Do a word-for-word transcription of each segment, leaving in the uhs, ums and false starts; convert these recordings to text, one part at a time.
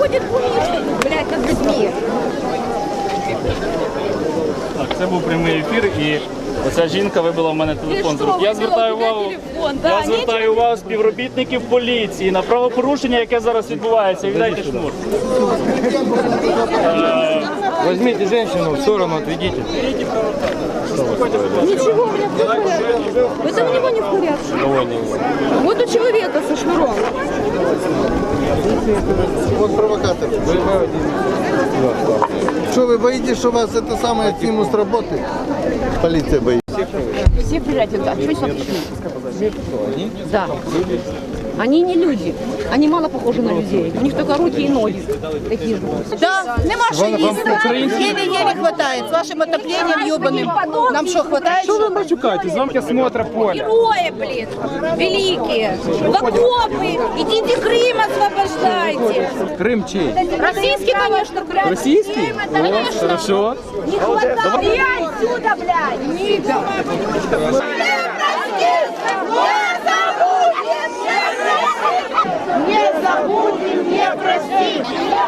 ходит, блядь, над людьми. Так, це був прямий ефір, і оця жінка вибила в мене телефон з рук. Я звертаю увагу, я звертаю увагу співробітників поліції на правопорушення, яке зараз відбувається. Віддайте шнур. Возьмите женщину в сторону, отведите. Ничего, у меня все в порядке. Это у него не в порядке. Вот у человека со шнуром. Вот провокатор. Что, вы боитесь, что вас это самое снимут с работы? Полиция боится. Все приезжают, а что сюда пришли? Да. Они не люди. Они мало похожи на людей. У них только руки и ноги. Такие же. Да, нема що їсти. Єлі-єлі хватає. З вашим отоплением ёбаным. Нам що, хватає? Что вы матюкаете? Замки осмотра поля. Герои, блин, великие. В окопы. Идите Крым освобождайте. Крым чей? Российский, конечно, Крым. Российский? Конечно. Хорошо. Не хватает. И отсюда, блядь. Нига. Не забудем, не простим.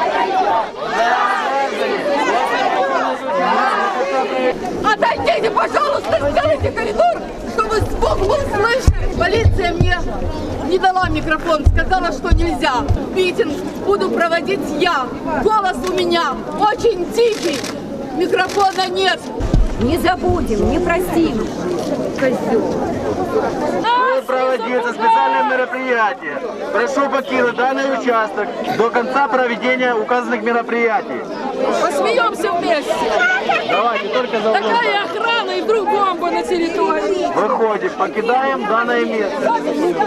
Отойдите, пожалуйста, сделайте коридор, чтобы звук был слышен. Полиция мне не дала микрофон, сказала, что нельзя. Митинг буду проводить я. Голос у меня очень тихий, микрофона нет. Не забудем, не простим. Козел. Будет проводиться специальное мероприятие. Прошу покинуть данный участок до конца проведения указанных мероприятий. Посмеемся вместе. Давайте, только за мной. Такая охрана и вдруг бомба на территории. Выходим, покидаем данное место.